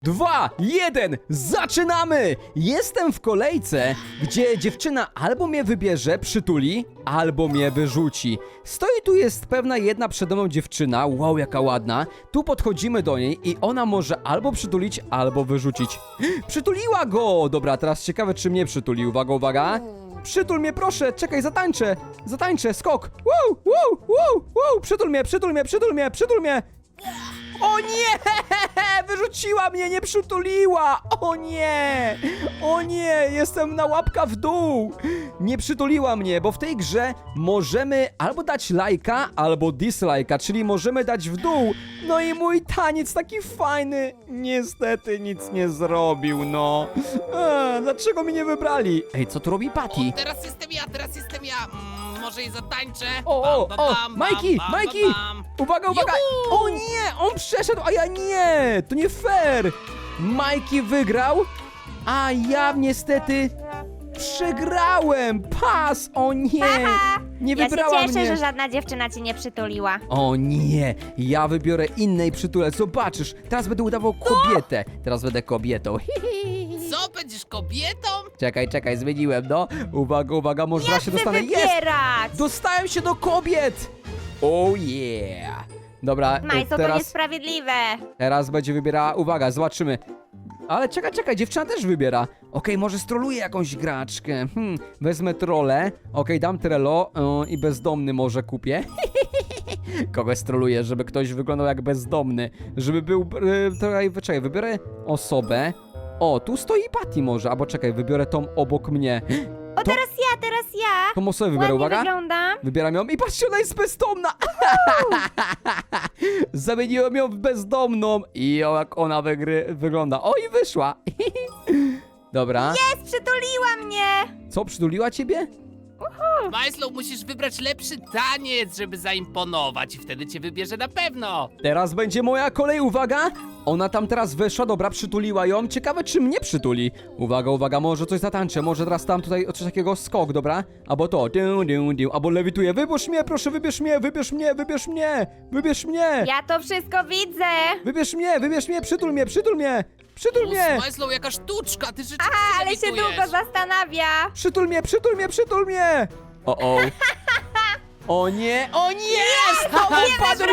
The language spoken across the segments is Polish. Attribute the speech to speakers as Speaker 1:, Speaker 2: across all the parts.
Speaker 1: 2, 1, zaczynamy! Jestem w kolejce, gdzie dziewczyna albo mnie wybierze, przytuli, albo mnie wyrzuci. Stoi tu jest pewna jedna przede mną dziewczyna, wow, jaka ładna. Tu podchodzimy do niej i ona może albo przytulić, albo wyrzucić. Przytuliła go! Dobra, teraz ciekawe, czy mnie przytuli. Uwaga, uwaga. Przytul mnie, proszę, czekaj, zatańczę, skok. Wow, wow, wow, wow, przytul mnie, przytul mnie, przytul mnie, przytul mnie. O nie! Wyrzuciła mnie, nie przytuliła! O nie, jestem na łapka w dół! Nie przytuliła mnie, bo w tej grze możemy albo dać lajka, albo dislajka, czyli możemy dać w dół. No i mój taniec taki fajny, niestety nic nie zrobił, no. Dlaczego mnie nie wybrali? Ej, co tu robi Patty?
Speaker 2: O, teraz jestem ja. Może jej zatańczę.
Speaker 1: O,
Speaker 2: Bam, bam, bam,
Speaker 1: Majki,
Speaker 2: bam,
Speaker 1: Majki!
Speaker 2: bam, bam.
Speaker 1: Uwaga, uwaga!
Speaker 2: Juhu!
Speaker 1: O nie, on przeszedł, a ja nie! To nie fair! Majki wygrał, a ja niestety przegrałem! Pas! O nie! Nie
Speaker 3: Ja się
Speaker 1: wybrała
Speaker 3: cieszę,
Speaker 1: mnie!
Speaker 3: że żadna dziewczyna cię nie przytuliła.
Speaker 1: O nie, ja wybiorę innej przytulę, zobaczysz, teraz będę udawał kobietę, teraz będę kobietą.
Speaker 2: Co, będziesz kobietą?
Speaker 1: Czekaj, zmieniłem, no. Uwaga, może
Speaker 3: Ja
Speaker 1: raz się
Speaker 3: chcę
Speaker 1: dostanę.
Speaker 3: wybierać!
Speaker 1: Dostałem się do kobiet! Oh yeah! Dobra,
Speaker 3: Majso, to
Speaker 1: teraz,
Speaker 3: niesprawiedliwe.
Speaker 1: teraz będzie wybierała, uwaga, zobaczymy. Ale czekaj, dziewczyna też wybiera. Okej, może stroluję jakąś graczkę. Wezmę trolę. Okej, dam trello i bezdomny może kupię. Kogoś stroluję, żeby ktoś wyglądał jak bezdomny. Żeby był, czekaj, wybiorę osobę. O, tu stoi Patty może, albo czekaj, wybiorę tą obok mnie.
Speaker 3: O, teraz ja.
Speaker 1: Tą osobę wybiorę,
Speaker 3: Ładnie
Speaker 1: uwaga.
Speaker 3: wyglądam.
Speaker 1: Wybieram ją i patrzcie, ona jest bezdomna! Zamieniłem ją w bezdomną i jak ona wygląda. O, i wyszła! Dobra.
Speaker 3: Jest, przytuliła mnie.
Speaker 1: Co, przytuliła ciebie?
Speaker 2: Majslow, musisz wybrać lepszy taniec, żeby zaimponować i wtedy cię wybierze na pewno.
Speaker 1: Teraz będzie moja kolej, uwaga! Ona tam teraz weszła, dobra, przytuliła ją. Ciekawe, czy mnie przytuli. Uwaga, może coś zatańczę, może teraz tam tutaj coś takiego skok, dobra? Albo to, albo lewituję. Wybierz mnie, proszę, wybierz mnie!
Speaker 3: Ja to wszystko widzę.
Speaker 1: Wybierz mnie, przytul mnie!
Speaker 2: Majslow, jaka sztuczka, ty rzeczywiście
Speaker 3: Ale się
Speaker 2: lewitujesz.
Speaker 3: długo zastanawia.
Speaker 1: Przytul mnie! O. O nie! Znowu padł!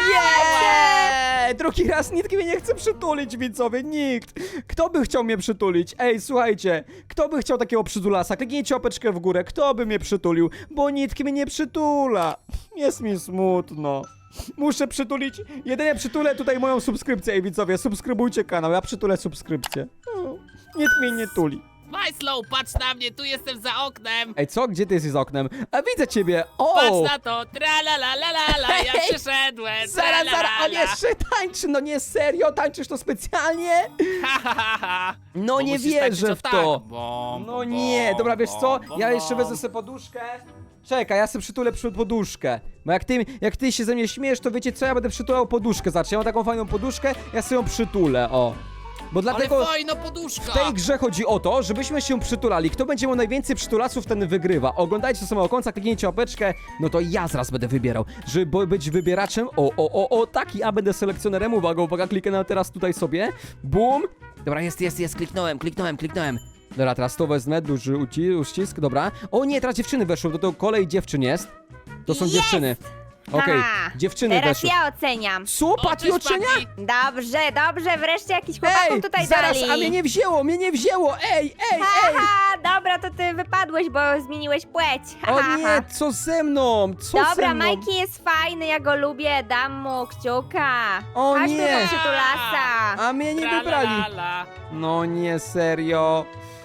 Speaker 1: Nie! Drugi raz nikt mnie nie chce przytulić, widzowie, nikt! Kto by chciał mnie przytulić? Ej, słuchajcie, kto by chciał takiego przytulasa? Kliknijcie łapeczkę w górę, kto by mnie przytulił? Bo nikt mnie nie przytula. Jest mi smutno. Muszę przytulić, jedynie przytulę tutaj moją subskrypcję. Ej, widzowie, subskrybujcie kanał, ja przytulę subskrypcję. Nikt mnie nie tuli.
Speaker 2: Majslow, patrz na mnie, tu jestem za oknem.
Speaker 1: Ej, co? Gdzie ty jesteś za oknem? A widzę ciebie! O!
Speaker 2: Patrz na to, tra-la-la-la-la, ja
Speaker 1: Hej!
Speaker 2: przyszedłem.
Speaker 1: Zaraz, on
Speaker 2: tra-la-la-la.
Speaker 1: jeszcze tańczy, no nie, serio? Tańczysz to specjalnie?
Speaker 2: Ha, ha, ha, ha.
Speaker 1: No
Speaker 2: Bo
Speaker 1: nie
Speaker 2: musisz
Speaker 1: wierzę
Speaker 2: tańczyć
Speaker 1: w
Speaker 2: o
Speaker 1: to.
Speaker 2: tak. Bom,
Speaker 1: No
Speaker 2: bom,
Speaker 1: nie, dobra, wiesz co?
Speaker 2: bom,
Speaker 1: Ja
Speaker 2: bom,
Speaker 1: jeszcze
Speaker 2: bom.
Speaker 1: wezmę sobie poduszkę. Czekaj, ja sobie przytulę poduszkę. Bo jak ty się ze mnie śmiejesz, to wiecie co? Ja będę przytulał poduszkę. Znaczy, ja mam taką fajną poduszkę, ja sobie ją przytulę, o. Bo dlatego...
Speaker 2: Ale fajna poduszka.
Speaker 1: W tej grze chodzi o to, żebyśmy się przytulali. Kto będzie miał najwięcej przytulasów, ten wygrywa. Oglądajcie do samego końca, kliknijcie łapeczkę. No to ja zaraz będę wybierał. Żeby być wybieraczem, tak, ja będę selekcjonerem. Uwaga, kliknę teraz tutaj sobie. Bum. Dobra, jest, kliknąłem. Dobra, teraz to wezmę, duży uścisk, dobra. O nie, teraz dziewczyny weszły, to kolej dziewczyn jest. To są
Speaker 3: Jest!
Speaker 1: dziewczyny. Okej,
Speaker 3: Ha,
Speaker 1: dziewczyny
Speaker 3: Teraz
Speaker 1: weszły.
Speaker 3: ja oceniam.
Speaker 1: Co, Patty
Speaker 2: cześć,
Speaker 1: ocenia?
Speaker 2: Patty.
Speaker 3: Dobrze, wreszcie jakiś chłopaków tutaj
Speaker 1: zaraz,
Speaker 3: dali.
Speaker 1: a mnie nie wzięło, ej!
Speaker 3: Dobra, to ty wypadłeś, bo zmieniłeś płeć.
Speaker 1: O nie, co ze mną? Co ze
Speaker 3: Dobra,
Speaker 1: mną?
Speaker 3: Majki jest fajny, ja go lubię, dam mu kciuka.
Speaker 1: O
Speaker 3: Chodźmy
Speaker 1: nie.
Speaker 3: do przytulasa.
Speaker 1: A mnie nie wybrali.
Speaker 2: Tra-la-la-la.
Speaker 1: No nie, serio.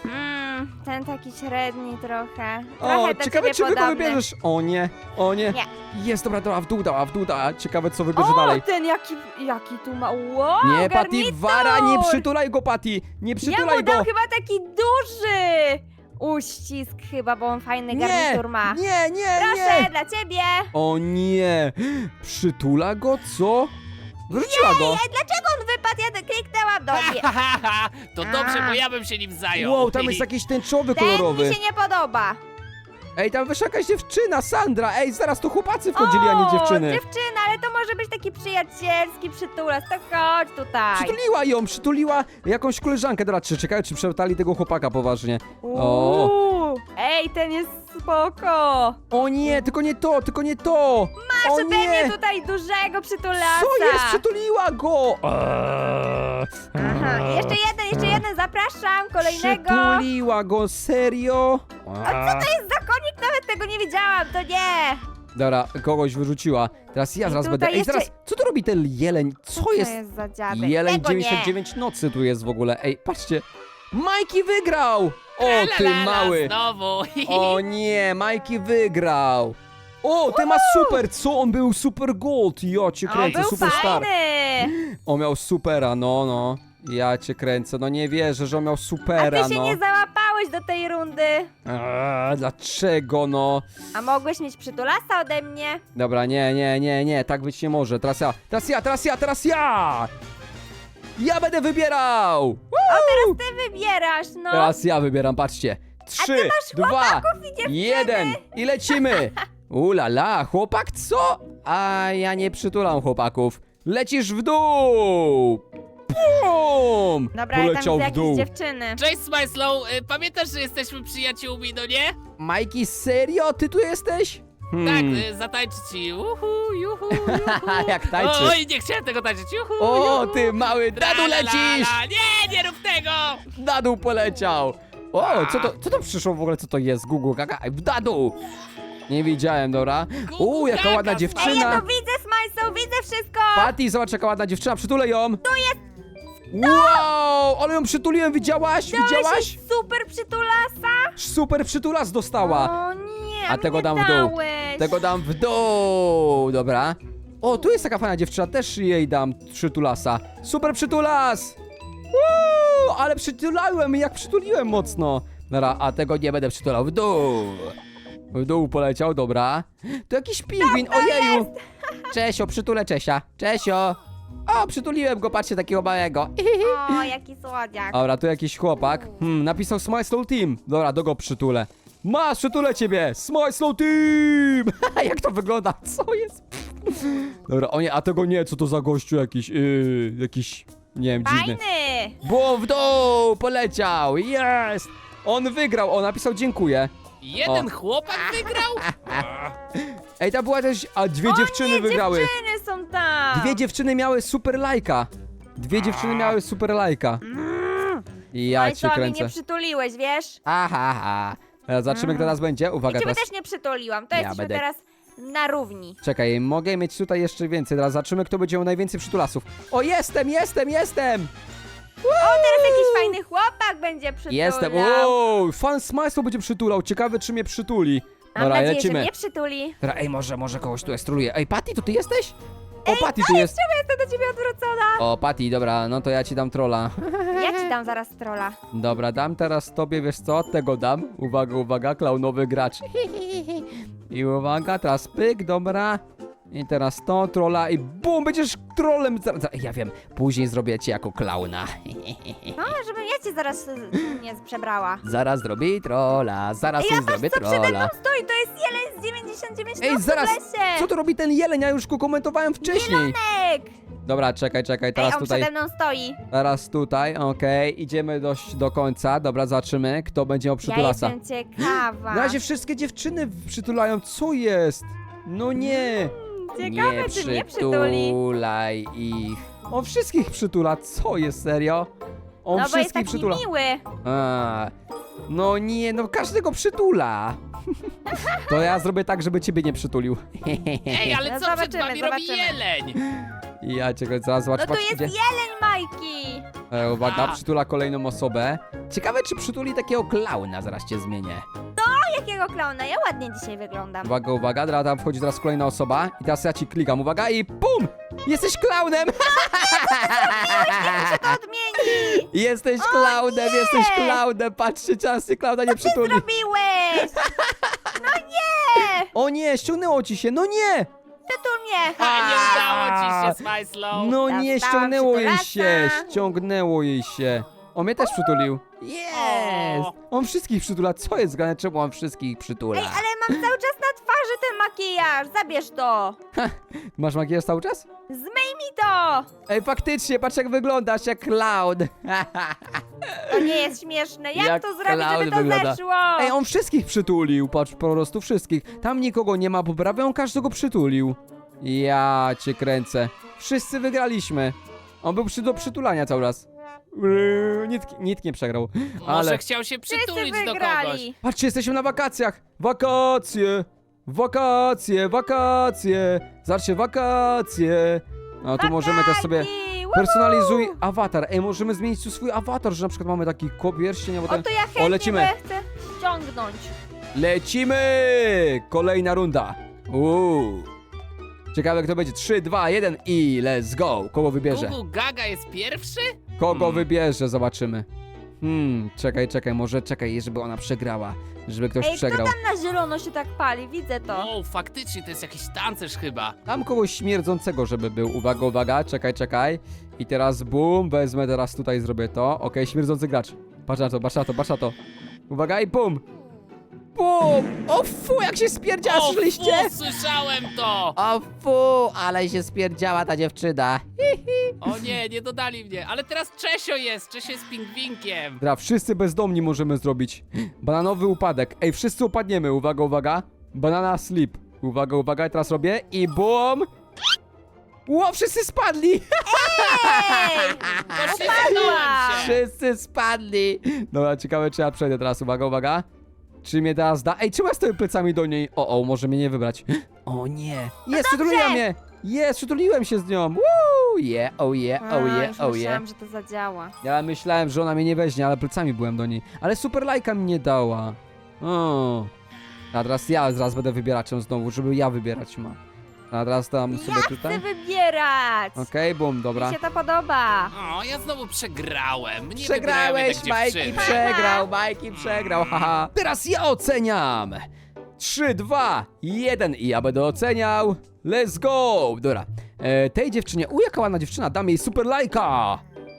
Speaker 3: Ten taki średni trochę.
Speaker 1: O,
Speaker 3: Trochę do
Speaker 1: ciekawe,
Speaker 3: ciebie
Speaker 1: czy wy go
Speaker 3: podobny.
Speaker 1: wybierzesz. O nie.
Speaker 3: Nie.
Speaker 1: Jest, dobra, w dół dała. Ciekawe, co wybierze
Speaker 3: O,
Speaker 1: dalej.
Speaker 3: ten jaki tu ma, wow,
Speaker 1: Nie, Patty,
Speaker 3: garnitur.
Speaker 1: wara, nie przytulaj go, Patty. Nie
Speaker 3: Ja
Speaker 1: przytulaj
Speaker 3: mu
Speaker 1: go.
Speaker 3: dam chyba taki duży uścisk chyba, bo on fajny garnitur ma.
Speaker 1: Nie.
Speaker 3: Proszę, dla ciebie.
Speaker 1: O nie. Przytula go, co? Wróciła go.
Speaker 3: Ej, dlaczego on wypadł? Ja kliknęłam do mnie.
Speaker 2: To dobrze, bo ja bym się nim zajął.
Speaker 1: Wow, tam jest jakiś tęczowy,
Speaker 3: Ten
Speaker 1: kolorowy.
Speaker 3: mi się nie podoba.
Speaker 1: Ej, tam wyszła jakaś dziewczyna, Sandra. Ej, zaraz tu chłopacy wchodzili, a nie dziewczyny.
Speaker 3: Dziewczyna, ale to może być taki przyjacielski przytulas, to chodź tutaj.
Speaker 1: Przytuliła jakąś koleżankę. Dobra, czekaj, czy przeprali tego chłopaka poważnie. O.
Speaker 3: Uuu, ej, ten jest spoko.
Speaker 1: O nie, tylko nie to, tylko nie to. O
Speaker 3: Ode mnie
Speaker 1: nie.
Speaker 3: tutaj dużego przytulasa.
Speaker 1: Co jest? Przytuliła go!
Speaker 3: Aha, jeszcze jeden, zapraszam, kolejnego.
Speaker 1: Przytuliła go, serio?
Speaker 3: A co to jest za konik? Nawet tego nie widziałam, to nie.
Speaker 1: Dobra, kogoś wyrzuciła. Teraz ja
Speaker 3: I
Speaker 1: zaraz
Speaker 3: tutaj
Speaker 1: będę. Ej,
Speaker 3: jeszcze-
Speaker 1: zaraz, co tu robi ten jeleń? Co
Speaker 3: To
Speaker 1: jest?
Speaker 3: jest za dziadek?
Speaker 1: Jeleń
Speaker 3: Tego nie.
Speaker 1: 99 nocy tu jest w ogóle. Ej, patrzcie. Majki wygrał! O, ty
Speaker 2: Tralalala,
Speaker 1: mały!
Speaker 2: Znowu.
Speaker 1: O nie, Majki wygrał! O, ty ma super! Co? On był super gold! Ja cię
Speaker 3: O,
Speaker 1: kręcę,
Speaker 3: był
Speaker 1: superstar!
Speaker 3: fajny.
Speaker 1: On miał supera, no. Ja cię kręcę, no nie wierzę, że on miał
Speaker 3: A
Speaker 1: supera,
Speaker 3: ty się
Speaker 1: no.
Speaker 3: nie załapałeś do tej rundy.
Speaker 1: Dlaczego, no?
Speaker 3: A mogłeś mieć przytulasa ode mnie?
Speaker 1: Dobra, nie, tak być nie może. Teraz ja! Ja będę wybierał!
Speaker 3: O, teraz ty wybierasz, no.
Speaker 1: Teraz ja wybieram, patrzcie. 3, 2,
Speaker 3: chłopaków i dziewczyny.
Speaker 1: 1 i lecimy! Ulala, chłopak co? A ja nie przytulam chłopaków. Lecisz w dół! Bum!
Speaker 3: Dobra, ale tam
Speaker 1: Poleciał
Speaker 3: widzę
Speaker 1: w dół.
Speaker 3: jakieś dziewczyny.
Speaker 2: Cześć, Smajslow. Pamiętasz, że jesteśmy przyjaciółmi, no nie?
Speaker 1: Majki, serio? Ty tu jesteś?
Speaker 2: Tak, zatańczy ci. Uhu, juhu, juhu.
Speaker 1: Jak tańczy.
Speaker 2: Oj, nie chciałem tego tańczyć. Juhu,
Speaker 1: O,
Speaker 2: juhu.
Speaker 1: ty mały, na dół
Speaker 2: Tralalala.
Speaker 1: lecisz!
Speaker 2: Nie rób tego!
Speaker 1: Na dół poleciał! O, co to przyszło w ogóle? Co to jest? Google, kaka, na dół! Nie widziałem, dobra. Jaka
Speaker 2: Gaga,
Speaker 1: ładna
Speaker 3: Ej, ja
Speaker 1: dziewczyna!
Speaker 3: to widzę, Smajso, widzę wszystko.
Speaker 1: Patty, zobacz jaka ładna dziewczyna, przytulę ją! To jest! Wow, ale ją przytuliłem, widziałaś? Widziałaś?
Speaker 3: Super przytulasa.
Speaker 1: Super przytulas dostała!
Speaker 3: O nie,
Speaker 1: A tego
Speaker 3: mnie
Speaker 1: dam w dół.
Speaker 3: dałeś.
Speaker 1: Tego dam w dół, dobra. O, tu jest taka fajna dziewczyna, też jej dam przytulasa. Super przytulas! Ale przytulałem, jak przytuliłem mocno. Dobra, a tego nie będę przytulał, w dół. W dół poleciał, dobra. To jakiś pingwin, ojeju. Czesio, przytulę Czesia. Czesio. O, przytuliłem go, patrzcie, takiego małego.
Speaker 3: O, jaki słodziak.
Speaker 1: Dobra, tu jakiś chłopak. Napisał Smile Slow Team. Dobra, do go przytulę. Masz, przytulę ciebie! Smile Slow Team! Jak to wygląda? Co jest? Dobra, o nie, a tego nie, co to za gościu jakiś, jakiś, nie wiem, dziwny.
Speaker 3: Fajny.
Speaker 1: Bum, w dół, poleciał, jest! On wygrał, on napisał dziękuję.
Speaker 2: Jeden
Speaker 1: O.
Speaker 2: chłopak wygrał?
Speaker 1: Ej, tam była też, a dwie dziewczyny wygrały.
Speaker 3: Dziewczyny są tam.
Speaker 1: Dwie dziewczyny miały super lajka. Dwie dziewczyny miały super lajka. I ja cię
Speaker 3: Smajso, mi
Speaker 1: kręcę.
Speaker 3: nie przytuliłeś, wiesz?
Speaker 1: Aha. Teraz zobaczymy, kto teraz będzie. Uwaga,
Speaker 3: Ciebie
Speaker 1: teraz.
Speaker 3: też nie przytuliłam, to
Speaker 1: Ja
Speaker 3: jesteśmy
Speaker 1: będę-
Speaker 3: teraz na równi.
Speaker 1: Czekaj, mogę mieć tutaj jeszcze więcej. Teraz zobaczymy, kto będzie miał najwięcej przytulasów. O, jestem!
Speaker 3: O, teraz jakiś fajny chłopak będzie przytulał.
Speaker 1: Jestem! O, fan Smajslow będzie przytulał. Ciekawe, czy mnie przytuli.
Speaker 3: Mam
Speaker 1: Dobra,
Speaker 3: nadzieję,
Speaker 1: lecimy.
Speaker 3: że mnie przytuli.
Speaker 1: Dobra, ej, może kogoś tu estroluje. Ej, Patty, to ty jesteś? O, Patty tu jest.
Speaker 3: Czemu jestem do ciebie odwrócona?
Speaker 1: O, Patty, dobra, no to ja ci dam trolla.
Speaker 3: Ja ci dam zaraz trolla.
Speaker 1: Dobra, dam teraz tobie, wiesz co? Tego dam. Uwaga, klaunowy gracz. I uwaga, teraz pyk, dobra. I teraz to, trolla i bum, będziesz trollem. Ja wiem, później zrobię cię jako klauna.
Speaker 3: No, żebym ja cię zaraz nie przebrała.
Speaker 1: Zaraz zrobię trolla, zaraz
Speaker 3: Ej, a
Speaker 1: zrobię
Speaker 3: patrz, co przede mną
Speaker 1: trolla.
Speaker 3: stoi, to jest jeleń z 99
Speaker 1: Ej,
Speaker 3: nosów
Speaker 1: zaraz,
Speaker 3: w lesie.
Speaker 1: co to robi ten jeleń? Ja już go komentowałem wcześniej.
Speaker 3: Jelonek.
Speaker 1: Dobra, czekaj,
Speaker 3: Ej,
Speaker 1: teraz
Speaker 3: on
Speaker 1: tutaj.
Speaker 3: przede mną stoi.
Speaker 1: Teraz tutaj, okej, idziemy do końca. Dobra, zobaczymy, kto będzie miał
Speaker 3: Ja
Speaker 1: przytulasa.
Speaker 3: jestem ciekawa.
Speaker 1: Na razie wszystkie dziewczyny przytulają, co jest? No nie!
Speaker 3: Ciekawe,
Speaker 1: Nie
Speaker 3: czy mnie przytuli.
Speaker 1: przytulaj ich. On wszystkich przytula, co jest, serio? On
Speaker 3: No bo jest
Speaker 1: wszystkich
Speaker 3: taki
Speaker 1: przytula.
Speaker 3: miły.
Speaker 1: A, no nie, no każdego przytula. To ja zrobię tak, żeby ciebie nie przytulił.
Speaker 2: Ej, ale
Speaker 3: No
Speaker 2: co przed
Speaker 3: zobaczymy,
Speaker 2: wami robi
Speaker 3: zobaczymy.
Speaker 2: jeleń?
Speaker 1: Ja cię zaraz zobacz,
Speaker 3: No tu
Speaker 1: patrz,
Speaker 3: jest
Speaker 1: idzie.
Speaker 3: jeleń, Majki.
Speaker 1: Uwaga,
Speaker 2: A.
Speaker 1: przytula kolejną osobę. Ciekawe, czy przytuli takiego klauna, zaraz cię zmienię.
Speaker 3: O, jakiego klauna? Ja ładnie dzisiaj wyglądam.
Speaker 1: Uwaga, teraz tam wchodzi teraz kolejna osoba. I teraz ja ci klikam, uwaga i PUM! Jesteś klaunem!
Speaker 3: Się to odmieni.
Speaker 1: Jesteś klaunem, patrzcie, czas się klauna nie przytuli.
Speaker 3: Zrobiłeś. No nie.
Speaker 1: O nie, ściągnęło ci się, no nie!
Speaker 3: Przytul mnie.
Speaker 2: A nie udało ci się, Smajslow.
Speaker 1: No nie,
Speaker 3: Dostałam
Speaker 1: ściągnęło jej
Speaker 3: przytulasa.
Speaker 1: się, ściągnęło jej się. On mnie też przytulił. Jest! On wszystkich przytula, co jest grane, czemu on wszystkich przytula?
Speaker 3: Ej, ale mam cały czas na twarzy ten makijaż, zabierz to.
Speaker 1: Masz makijaż cały czas?
Speaker 3: Zmyj mi to.
Speaker 1: Ej, faktycznie, patrz jak wyglądasz, jak clown.
Speaker 3: To nie jest śmieszne. Jak
Speaker 1: Jak
Speaker 3: to zrobić, żeby
Speaker 1: clown
Speaker 3: to
Speaker 1: wygląda.
Speaker 3: zeszło?
Speaker 1: Ej, on wszystkich przytulił, patrz, po prostu wszystkich. Tam nikogo nie ma, bo prawie on każdego przytulił. Ja cię kręcę. Wszyscy wygraliśmy. On był do przytulania cały czas. Nikt nie przegrał.
Speaker 2: Może
Speaker 1: Ale
Speaker 2: chciał się
Speaker 3: Wszyscy
Speaker 2: przytulić do kogoś.
Speaker 3: wygrali.
Speaker 1: patrzcie, jesteśmy na wakacjach. Wakacje, wakacje, wakacje. Zobaczcie, wakacje. No tu możemy też sobie...
Speaker 3: Wahoo!
Speaker 1: Personalizuj awatar. Ej, możemy zmienić tu swój awatar, że na przykład mamy taki pierścień, albo
Speaker 3: O,
Speaker 1: ten...
Speaker 3: to ja chętnie,
Speaker 1: lecimy.
Speaker 3: bo ja chcę ściągnąć.
Speaker 1: Lecimy! Kolejna runda. Ciekawe kto będzie. 3, 2, 1 i let's go. Kogo wybierze?
Speaker 2: Gugu Gaga jest pierwszy?
Speaker 1: Kogo wybierze? Zobaczymy. Czekaj, może czekaj, żeby ona przegrała. Żeby ktoś
Speaker 3: Ej, kto
Speaker 1: przegrał.
Speaker 3: tam na zielono się tak pali? Widzę to.
Speaker 2: O, faktycznie, to jest jakiś tancerz chyba.
Speaker 1: Tam kogoś śmierdzącego, żeby był. Uwaga, uwaga, czekaj. I teraz bum, wezmę teraz tutaj, zrobię to. Okej, śmierdzący gracz. Patrz na to. Uwaga i bum. Bum! O fu, jak się spierdziała,
Speaker 2: O,
Speaker 1: słyszeliście?
Speaker 2: fu, słyszałem to!
Speaker 1: O fu, ale się spierdziała ta dziewczyna.
Speaker 2: O nie, nie dodali mnie, ale teraz Czesio jest pingwinkiem.
Speaker 1: Dobra, wszyscy bezdomni możemy zrobić. Bananowy upadek. Ej, wszyscy upadniemy. Uwaga, uwaga. Banana slip. Uwaga, teraz robię i bum! Ło, wszyscy spadli!
Speaker 3: Ej!
Speaker 2: Poślizgnąłem się.
Speaker 1: Wszyscy spadli! Dobra, ciekawe czy ja przejdę teraz. Uwaga. Czy mnie teraz da? Ej, czemu ja stoję plecami do niej? O, może mnie nie wybrać. O nie! Jest, przytuliła mnie! Jest, przytuliłem się z nią! Woo! Yeah, oh yeah.
Speaker 3: Już myślałam, że to zadziała.
Speaker 1: Ja myślałem, że ona mnie nie weźmie, ale plecami byłem do niej. Ale super lajka mi nie dała. O. A teraz ja zaraz będę wybieraczem znowu, żeby ja wybierać ma. A teraz tam sobie
Speaker 3: Ja
Speaker 1: tutaj.
Speaker 3: chcę wybierać.
Speaker 1: Okej, bum, dobra.
Speaker 3: Mi się to podoba.
Speaker 2: O, ja znowu przegrałem. Nie
Speaker 1: Przegrałeś,
Speaker 2: wybrałem jednak
Speaker 1: Majki
Speaker 2: dziewczyny.
Speaker 1: Majki przegrał, haha. Teraz ja oceniam. 3, 2, 1 i ja będę oceniał. Let's go! Dobra, tej dziewczynie, jaka ładna dziewczyna, dam jej super lajka.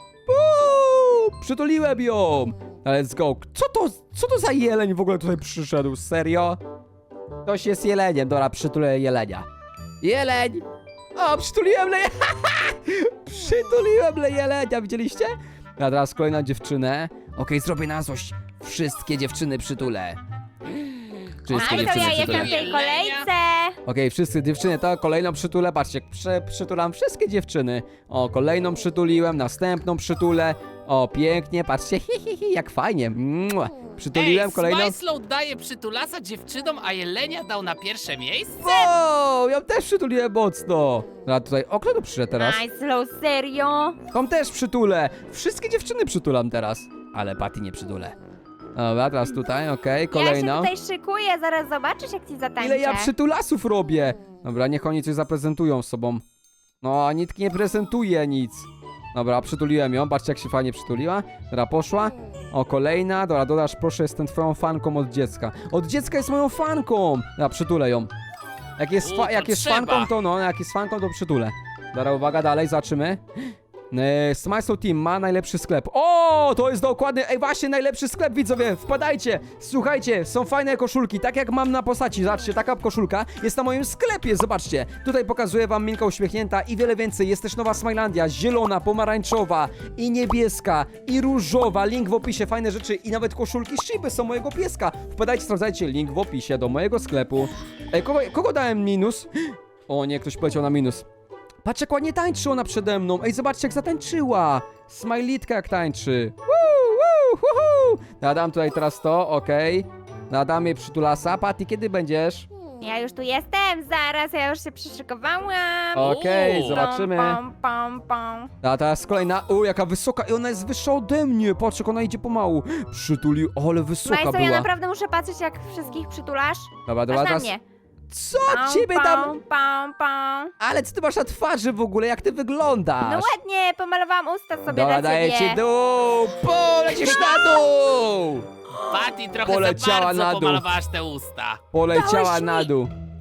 Speaker 1: Przytuliłem ją. Let's go. Co to za jeleń w ogóle tutaj przyszedł, serio? Ktoś jest jeleniem, dobra, przytulę jelenia. Jeleń! O, przytuliłem le... Przytuliłem le jelenia, widzieliście? A teraz kolejna dziewczynę. Okej, zrobię na złość. Wszystkie dziewczyny przytulę. Wszystkie
Speaker 3: Aj, to
Speaker 1: dziewczyny
Speaker 3: ja jestem
Speaker 1: przytulę.
Speaker 3: w tej kolejce.
Speaker 1: Okej, wszystkie dziewczyny, to kolejną przytulę. Patrzcie, przytulam wszystkie dziewczyny. O, kolejną przytuliłem, następną przytulę. O, pięknie, patrzcie, jak fajnie. Mua. Przytuliłem kolejną.
Speaker 2: Smajslow daje przytulasa dziewczynom, a Jelenia dał na pierwsze miejsce?
Speaker 1: Wow, ją też przytuliłem mocno. A tutaj, o, kto tu przyszedł teraz?
Speaker 3: Nice, serio?
Speaker 1: Tą też przytulę. Wszystkie dziewczyny przytulam teraz. Ale Patty nie przytulę. Dobra, teraz tutaj, okej, kolejną.
Speaker 3: Ja się tutaj szykuję, zaraz zobaczysz jak ci zatańczę.
Speaker 1: Ile ja przytulasów robię? Dobra, niech oni coś zaprezentują z sobą. No, a nikt nie prezentuje nic. Dobra, przytuliłem ją, patrzcie jak się fajnie przytuliła. Dobra, poszła. O, kolejna. Dobra, dodasz, proszę, jestem twoją fanką od dziecka. Od dziecka jest moją fanką. Dobra, przytulę ją. Jak jest,
Speaker 2: to
Speaker 1: jak jest
Speaker 2: trzeba.
Speaker 1: fanką, to no, jak jest fanką, to przytulę. Dobra, uwaga, dalej, zobaczymy. Smysl Team ma najlepszy sklep. O, to jest dokładnie, właśnie najlepszy sklep, widzowie, wpadajcie, słuchajcie, są fajne koszulki, tak jak mam na postaci, zobaczcie, taka koszulka jest na moim sklepie, zobaczcie, tutaj pokazuję wam Minka uśmiechnięta i wiele więcej, jest też nowa Smilandia, zielona, pomarańczowa i niebieska i różowa, link w opisie, fajne rzeczy i nawet koszulki Shiby są mojego pieska, wpadajcie, sprawdzajcie, link w opisie do mojego sklepu. Kogo dałem minus? O nie, ktoś poleciał na minus. Patrz jak ładnie tańczy ona przede mną. Ej, zobaczcie jak zatańczyła. Smajlitka jak tańczy. Nadam tutaj teraz to, okej. Nadam jej przytulasa. Patty, kiedy będziesz?
Speaker 3: Ja już tu jestem, zaraz, ja już się przyszykowałam.
Speaker 1: Okej,
Speaker 2: Uuu.
Speaker 1: zobaczymy.
Speaker 3: Pom.
Speaker 1: A teraz kolejna. Jaka wysoka. I ona jest wyższa ode mnie. Patrz jak ona idzie pomału. Przytulił. Ale wysoka
Speaker 3: Majso, ja
Speaker 1: była.
Speaker 3: naprawdę muszę patrzeć jak wszystkich przytulasz.
Speaker 1: Dobra,
Speaker 3: Patrz na
Speaker 1: teraz.
Speaker 3: mnie.
Speaker 1: Co ciebie tam?
Speaker 3: Pom.
Speaker 1: Ale co ty masz na twarzy w ogóle? Jak ty wyglądasz?
Speaker 3: No ładnie, pomalowałam usta sobie
Speaker 1: Dobra,
Speaker 3: dla
Speaker 1: daję
Speaker 3: ciebie.
Speaker 1: ci dół. Polecisz na dół.
Speaker 2: Patty trochę
Speaker 1: Poleciała
Speaker 2: za bardzo
Speaker 1: na dół.
Speaker 2: pomalowałaś te usta.
Speaker 1: Poleciała
Speaker 3: Dałeś mi-
Speaker 1: na dół.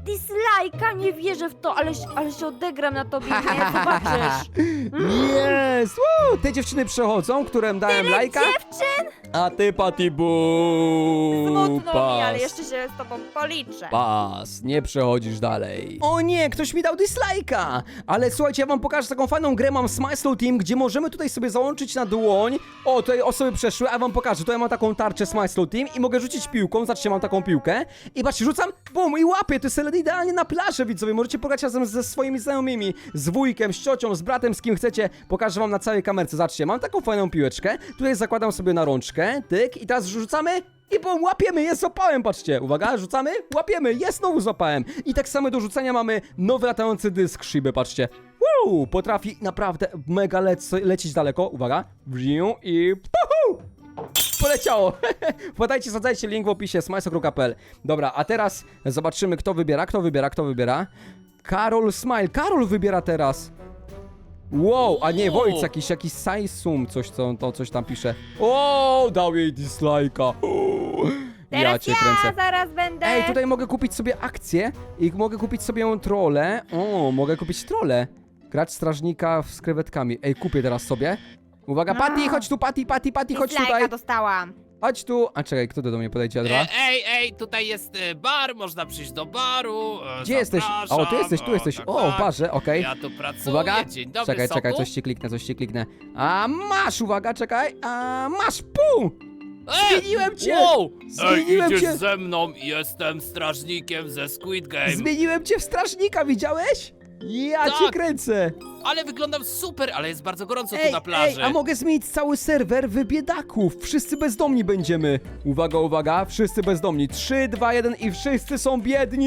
Speaker 3: dislike'a, nie wierzę w to, ale się odegram na tobie, nie? Zobaczysz.
Speaker 1: Jest! Woo! Te dziewczyny przechodzą, którym dałem lajka.
Speaker 3: Dziewczyn!
Speaker 1: A ty, Patty, buu!
Speaker 3: Smutno mi, ale
Speaker 1: Pas.
Speaker 3: jeszcze się z tobą policzę.
Speaker 1: Pas, nie przechodzisz dalej. O nie, ktoś mi dał dislike'a! Ale słuchajcie, ja wam pokażę taką fajną grę, mam Smile Slow Team, gdzie możemy tutaj sobie załączyć na dłoń. O, tutaj osoby przeszły, a wam pokażę. Tutaj mam taką tarczę Smile Slow Team i mogę rzucić piłką. Zobaczcie, mam taką piłkę. I patrzcie, rzucam, bum, i łapię. To jest idealnie na plażę, widzowie. Możecie pograć razem ze swoimi znajomymi, z wujkiem, z ciocią, z bratem, z kim chcecie. Pokażę wam na całej kamerce. Zobaczcie, mam taką fajną piłeczkę. Tutaj zakładam sobie na rączkę, tyk, i teraz rzucamy. I bum, łapiemy, jest, złapałem, patrzcie. Uwaga, rzucamy, łapiemy, jest, znowu złapałem. I tak samo do rzucania mamy nowy latający dysk szyby, patrzcie. Wow, potrafi naprawdę mega lecieć daleko. Uwaga, wziął i puhu! Poleciało. Wpadajcie, sadzajcie, link w opisie, smajso.pl. Dobra, a teraz zobaczymy, kto wybiera. Karol Smile, Karol wybiera teraz. Wow, a nie, Wojt, jakiś Saisum, coś tam pisze. O, dał jej dislike'a.
Speaker 3: Teraz
Speaker 1: cię kręcę.
Speaker 3: zaraz będę.
Speaker 1: Ej, tutaj mogę kupić sobie akcję i mogę kupić sobie trolę. O, mogę kupić trolę. Grać strażnika z krewetkami. Ej, kupię teraz sobie. Uwaga, Patty, chodź tu, Patty, chodź
Speaker 3: Dislike'a
Speaker 1: tutaj.
Speaker 3: dostałam.
Speaker 1: Chodź tu. A czekaj, kto do mnie podejdzie, Adra?
Speaker 2: Ej, tutaj jest bar, można przyjść do baru.
Speaker 1: Gdzie jesteś?
Speaker 2: Zapraszam.
Speaker 1: O, tu jesteś.
Speaker 2: Tak,
Speaker 1: O, w
Speaker 2: tak.
Speaker 1: barze, okej.
Speaker 2: Ja tu pracuję,
Speaker 1: Uwaga,
Speaker 2: dzień dobry,
Speaker 1: czekaj,
Speaker 2: soku.
Speaker 1: coś ci kliknę. A masz, uwaga, czekaj. A masz, pum! Zmieniłem cię!
Speaker 2: Wow!
Speaker 1: Zmieniłem
Speaker 2: idziesz
Speaker 1: cię!
Speaker 2: ze mną, jestem strażnikiem ze Squid Game.
Speaker 1: Zmieniłem cię w strażnika, widziałeś? Ja
Speaker 2: Tak.
Speaker 1: cię kręcę!
Speaker 2: Ale wyglądam super, ale jest bardzo gorąco tu na plaży.
Speaker 1: a mogę zmienić cały serwer w biedaków. Wszyscy bezdomni będziemy. Uwaga, wszyscy bezdomni. 3, 2, 1 i wszyscy są biedni!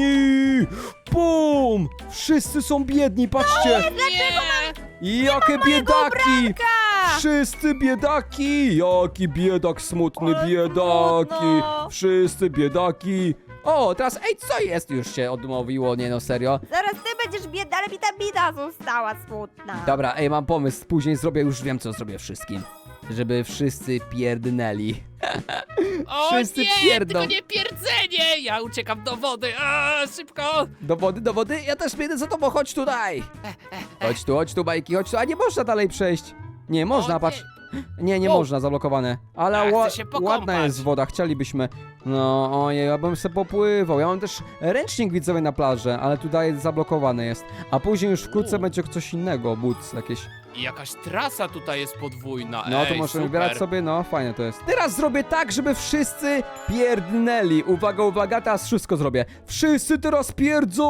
Speaker 1: Bum! Wszyscy są biedni, patrzcie!
Speaker 2: Nie!
Speaker 1: Jakie biedaki!
Speaker 3: Ka!
Speaker 1: Wszyscy biedaki! Jaki biedak, smutny
Speaker 3: Ale
Speaker 1: biedaki!
Speaker 3: smutno.
Speaker 1: Wszyscy biedaki! O, teraz, co jest? Już się odmówiło, nie no, serio.
Speaker 3: Zaraz ty będziesz biedna, ale mi ta bida została smutna.
Speaker 1: Dobra, mam pomysł, później zrobię, już wiem co zrobię wszystkim. Żeby wszyscy pierdnęli.
Speaker 2: O
Speaker 1: Wszyscy
Speaker 2: nie,
Speaker 1: pierdą.
Speaker 2: tylko nie pierdzenie! Ja uciekam do wody, szybko!
Speaker 1: Do wody? Ja też biegnę za tobą, chodź tutaj! Chodź tu, bajki, chodź tu, a nie można dalej przejść. Nie, można,
Speaker 2: O,
Speaker 1: patrz. Nie
Speaker 2: O.
Speaker 1: można, zablokowane. Ale
Speaker 2: Ja chcę się pokąpać.
Speaker 1: ładna jest woda, chcielibyśmy. No, ojej, ja bym se popływał. Ja mam też ręcznik widzowie na plaży, ale tutaj zablokowany jest. A później już wkrótce będzie coś innego, boots jakieś.
Speaker 2: I jakaś trasa tutaj jest podwójna,
Speaker 1: No, to
Speaker 2: ej,
Speaker 1: możemy
Speaker 2: super.
Speaker 1: wybierać sobie, no, fajne to jest. Teraz zrobię tak, żeby wszyscy pierdnęli. Uwaga, teraz wszystko zrobię. Wszyscy teraz pierdzą!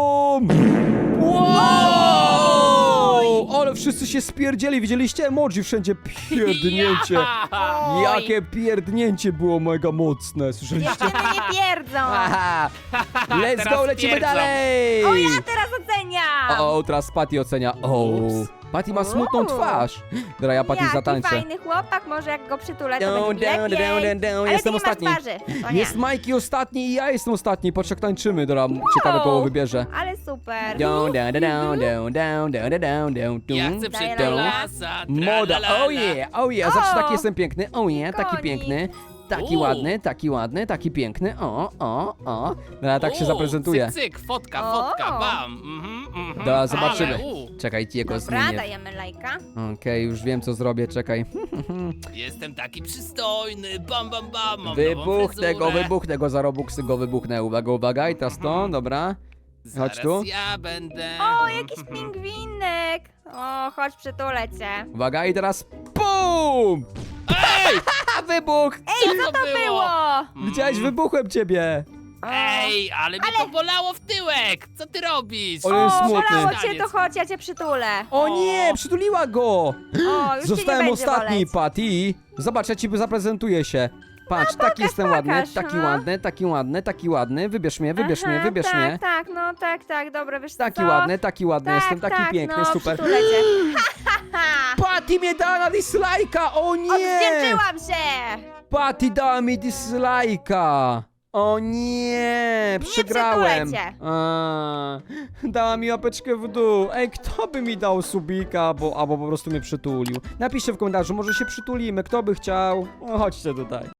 Speaker 1: Wow! Ale wszyscy się spierdzieli, widzieliście? Emoji wszędzie pierdnięcie.
Speaker 2: Ja!
Speaker 1: Jakie pierdnięcie było mega mocne, słyszeliście?
Speaker 3: Dziewczyny nie pierdzą.
Speaker 1: Haha. Let's
Speaker 2: Teraz
Speaker 1: go, lecimy
Speaker 2: pierdzą.
Speaker 1: dalej!
Speaker 3: O, ja teraz oceniam.
Speaker 1: O, teraz Patty ocenia. O,
Speaker 2: Ups.
Speaker 1: Patty ma smutną
Speaker 3: Uuu.
Speaker 1: twarz. Dobra, ja Patty
Speaker 3: Jaki
Speaker 1: zatańczę.
Speaker 3: fajny chłopak, może jak go przytulę, to
Speaker 1: Down,
Speaker 3: będzie
Speaker 1: down,
Speaker 3: lepiej.
Speaker 1: down, down.
Speaker 3: Ale
Speaker 1: Jestem
Speaker 3: ty nie
Speaker 1: ostatni.
Speaker 3: masz twarzy. To nie.
Speaker 1: Jest Majki ostatni i ja jestem ostatni. Patrz jak tańczymy. Dobra, ciekawe koło wybierze.
Speaker 3: Ale super.
Speaker 1: Down, down, down, down, down, down, down, down,
Speaker 2: Ja
Speaker 1: down.
Speaker 2: chcę
Speaker 3: Daję
Speaker 2: przytulasa,
Speaker 1: Moda,
Speaker 2: tralalala.
Speaker 1: oh yeah, zawsze
Speaker 3: O!
Speaker 1: taki jestem piękny, oh yeah, taki
Speaker 3: Konik.
Speaker 1: piękny, taki ładny, taki piękny, Dobra, tak się
Speaker 2: U,
Speaker 1: zaprezentuję.
Speaker 2: Cyk, fotka,
Speaker 3: O.
Speaker 2: bam.
Speaker 1: Dobra, zobaczymy.
Speaker 2: Ale,
Speaker 1: Czekaj, jego
Speaker 3: Dobra,
Speaker 1: zmienię.
Speaker 3: dajemy lajka.
Speaker 1: Okej, już wiem co zrobię, czekaj.
Speaker 2: Jestem taki przystojny, bam. Mam nową
Speaker 1: Wybuchnę go za Robuxy, go wybuchnę. Uwaga, i teraz to, dobra.
Speaker 2: Zaraz
Speaker 1: Chodź tu.
Speaker 2: ja będę.
Speaker 3: O, jakiś pingwinek. O, chodź przytulę cię.
Speaker 1: Uwaga, i teraz BUM!
Speaker 2: Ej!
Speaker 1: A wybuch!
Speaker 3: Ej, co to było?
Speaker 1: Widziałeś, wybuchłem ciebie!
Speaker 3: O.
Speaker 2: Ej, ale mnie to bolało w tyłek! Co ty robisz?
Speaker 1: Ale jest
Speaker 3: O,
Speaker 1: smutny.
Speaker 3: bolało cię, to chodź, ja cię przytulę.
Speaker 1: O nie, przytuliła go!
Speaker 3: O, już
Speaker 1: Zostałem
Speaker 3: cię nie
Speaker 1: ostatni,
Speaker 3: będzie boleć.
Speaker 1: Patty. Zobacz, ja ci zaprezentuję się. Patrz, taki jestem ładny,
Speaker 3: pokaż,
Speaker 1: taki
Speaker 3: no.
Speaker 1: ładny, taki ładny. Wybierz mnie, wybierz
Speaker 3: Aha,
Speaker 1: mnie.
Speaker 3: Tak, no tak, dobra, wiesz
Speaker 1: Taki
Speaker 3: co?
Speaker 1: ładny,
Speaker 3: Tak,
Speaker 1: jestem taki
Speaker 3: tak,
Speaker 1: piękny,
Speaker 3: no,
Speaker 1: super.
Speaker 3: przytulę cię. Ha, ha, ha.
Speaker 1: Patty mnie dała na dislike'a, o nie!
Speaker 3: Odwdzięczyłam się!
Speaker 1: Patty dała mi dislike'a. O nie, przegrałem.
Speaker 3: przytulę cię.
Speaker 1: Dała mi łapeczkę w dół. Ej, kto by mi dał subika, albo po prostu mnie przytulił? Napiszcie w komentarzu, może się przytulimy, kto by chciał. O, chodźcie tutaj.